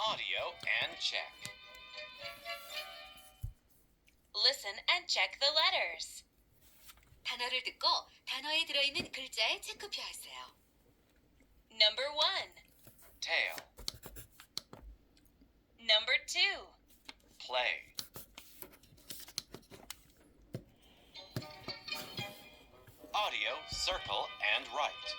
audio and check. Listen and check the letters. 단어를 듣고 단어에 들어있는 글자에 체크표하세요. Number 1, Tail. Number 2, Play. Audio, circle, and write.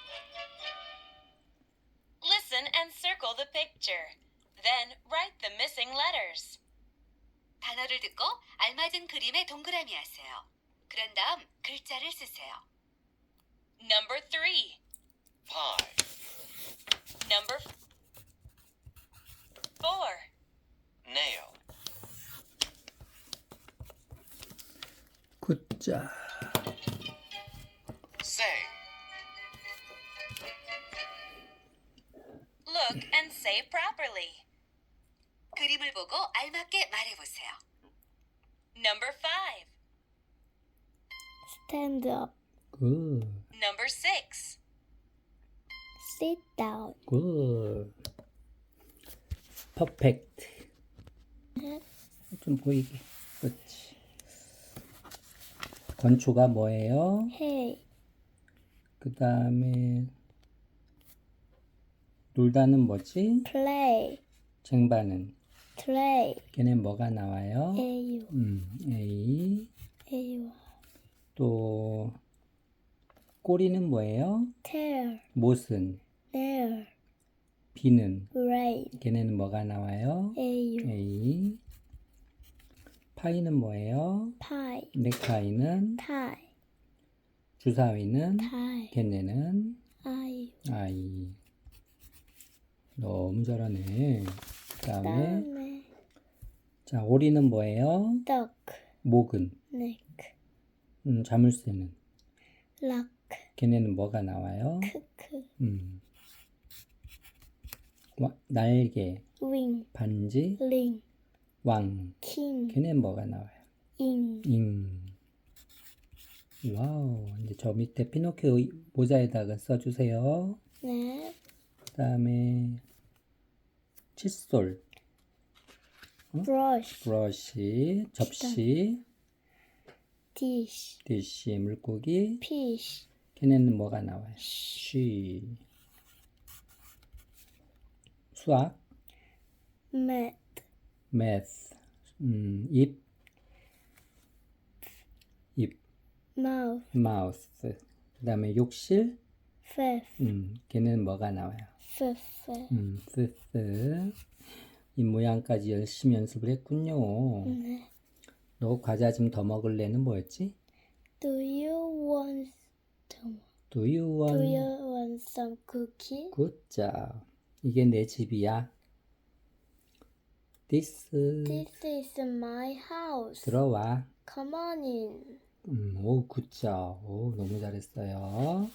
Listen and circle the picture. Then write the missing letters. 단어를 듣고 알맞은 그림에 동그라미 하세요. 그런 다음 글자를 쓰세요. Number 3, Pie. Number 4, Nail. 굿자. Say. Look and say properly. 그림을 보고 알맞게 말해보세요. Number 5, Stand up. 굿. Number 6, Sit down. 굿. 퍼펙트. 좀 보이게. 그렇지. 건초가 뭐예요? Hey. 그 다음에 놀다는 뭐지? Play. 쟁반은 Play. 걔는 뭐가 나와요? A. A. A. 또 꼬리는 뭐예요? Tail. 못은 Nail. 비는 Rain. 걔네는 뭐가 나와요? A. A. 파이는 뭐예요? Pie. 넥타이는 Tie. 주사위는 Tie. 걔네는 I. 아이. 너무 잘하네. 그 다음에 다음에 자 오리는 뭐예요? Duck. 목은 Neck. 자물쇠는 Lock. 걔네는 뭐가 나와요? 크크. 날개, Wing. 반지, Ring. 왕. King. 걔네는 뭐가 나와요? In. 와우. 이제 저 밑에 피노키오 모자에다가 써주세요. 네. 그 다음에 칫솔, Brush. 브러쉬, 접시, Dish. 디시, 물고기. Fish. 걔네는 뭐가 나와요? 쉬. 수학, Mat. math, 입, Mouth. mouth. 그 다음에 욕실, Fifth. 걔네는 뭐가 나와요? Fifth. fifth. 이 모양까지 열심히 연습을 했군요. 네. 너 과자 좀 더 먹을래는 뭐였지? Do you want Do you want some cookie? good job. 이게 내 집이야. This This is my house. 들어와. Come on in. 오, good job. 오, 너무 잘했어요.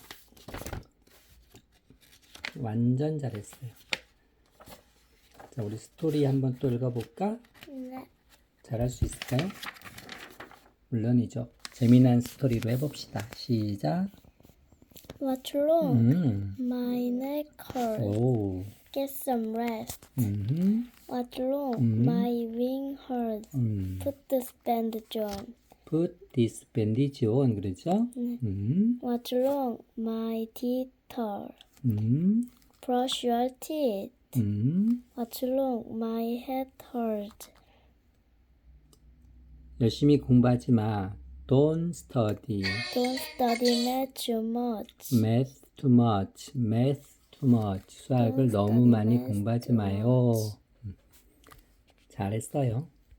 완전 잘했어요. 자, 우리 스토리 한번 또 읽어볼까? 네. 잘할 수 있을까요? 물론이죠. 재미난 스토리로 해봅시다. 시작. What's wrong? My 음. neck hurts. 오. Get some rest. What's wrong? 음. My wing hurts. Put this bandage on. Put this bandage on. 그러죠? 네. 음. What's wrong? My teeth hurt. Brush your teeth. What's wrong? My head hurts. 열심히 공부하지 마. Don't study. Don't study math too much. Math too much. Math too much. 수학을 Don't 너무 study 많이 math 공부하지 too 마요. much. 잘했어요.